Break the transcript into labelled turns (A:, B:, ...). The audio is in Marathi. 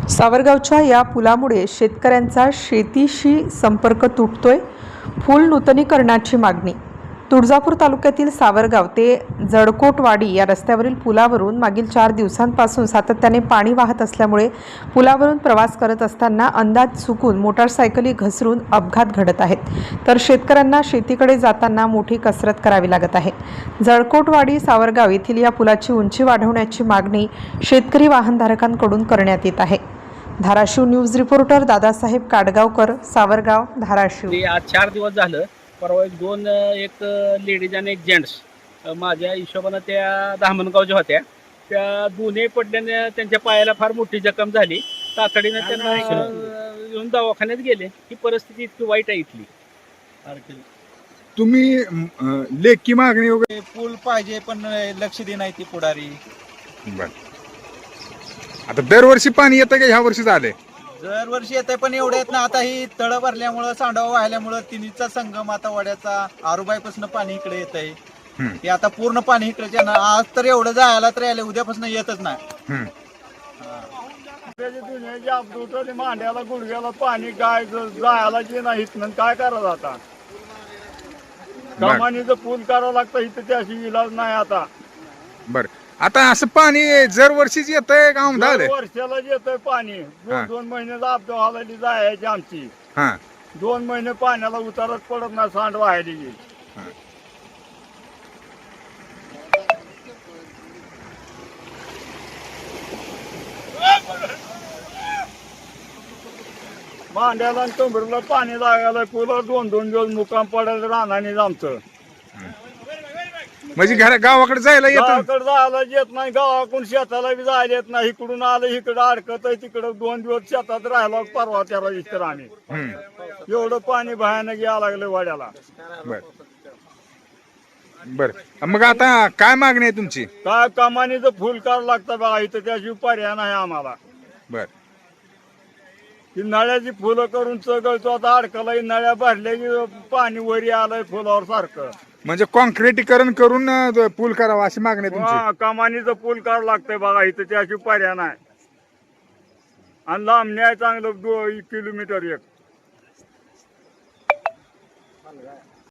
A: सावरगावच्या या पुलामुळे शेतकऱ्यांचा शेतीशी संपर्क तुटतोय. पूल नूतनीकरणाची मागणी. तुळजापूर तालुक्यातील सावरगाव ते जडकोटवाडी या रस्त्यावरील पुलावरून मागील 4 दिवसांपासून सातत्याने पाणी वाहत असल्यामुळे पुलावरून प्रवास करत असताना अंदाज चुकून मोटारसायकली घसरून अपघात घडत आहेत. तर शेतकऱ्यांना शेतीकडे जाताना मोठी कसरत करावी लागत आहे. जडकोटवाडी सावरगाव येथील या पुलाची उंची वाढवण्याची मागणी शेतकरी वाहनधारकांकडून करण्यात येत आहे. Dharashiv news reporter Dadasaheb Kadgaonkar, Savargaon, Dharashiv.
B: आज 4 दिवस झालं. परवा एक लेडीज आणि एक जेंट्स माझ्या हिशोबानं त्या धामणगावच्या होत्या. त्या दोन्ही पडल्याने त्यांच्या पायाला फार मोठी जखम झाली. तातडीने त्यांना येऊन दवाखान्यात गेले. ही परिस्थिती इतकी वाईट आहे इथली.
C: तुम्ही लेखी मागणी वगैरे
D: पूल पाहिजे पण लक्ष दे नाही ती पुढारी.
C: आता दरवर्षी पाणी येतं का ह्या वर्षी झाले?
D: दरवर्षी येत पण एवढे येत ना. आता ही तळ भरल्यामुळं सांडवा वाहिल्यामुळं तिन्हीचा संगम आता वड्याचा आरुबाईपासून पाणी इकडे येत आहे. ते आता पूर्ण पाणी इकडे आज तर एवढं जायला तर यायला उद्यापासून येतच नाही.
E: मांड्याला गुडघ्याला पाणी काय जायला जे नाही काय करायचं आता. कमानीचं पूल करावं लागतं इथं त्याशी इलाज नाही आता.
C: बर, आता असं पाणी दरवर्षीच येतंय का
E: वर्षाला येतंय पाणी. 2 महिने लाभ व्हायला जायची आमची. 2 महिने पाण्याला उतारच पडत नाही सांड व्हायली. मांड्याला आणि टोंबरीला पाणी लागायला पुला 2-2 दिवस मुक्काम पडायला राहणार आमचं.
C: म्हणजे गावाकडे जायला येत
E: गावाकडे जायला येत नाही. गावाकडून शेताला बी जायला येत नाही. इकडून आलं इकडं अडकत आहे. तिकडं 2 दिवस शेतात राहिला परवा त्याला इतर आम्ही. एवढं पाणी भयानक यायला लागलं वाड्याला.
C: बर, मग आता काय मागणी आहे तुमची?
E: काय कमानीचं फुल करावं लागतं बघा इथं. त्याशिवाय पर्याय नाही आम्हाला.
C: बर,
E: ही नळ्याची फुलं करून चगळतो आता. अडकला नळ्या भरल्या की पाणी वरी आलंय फुलावर सारखं.
C: म्हणजे कॉन्क्रिटीकरण करून पूल करावा अशी मागणी आहे तुमची?
E: कमानीचं पूल करावं लागतंय बघा इथं. त्याशिवाय पर्याय नाही. आणि लांब न्याय चांगलं 2 किलोमीटर एक.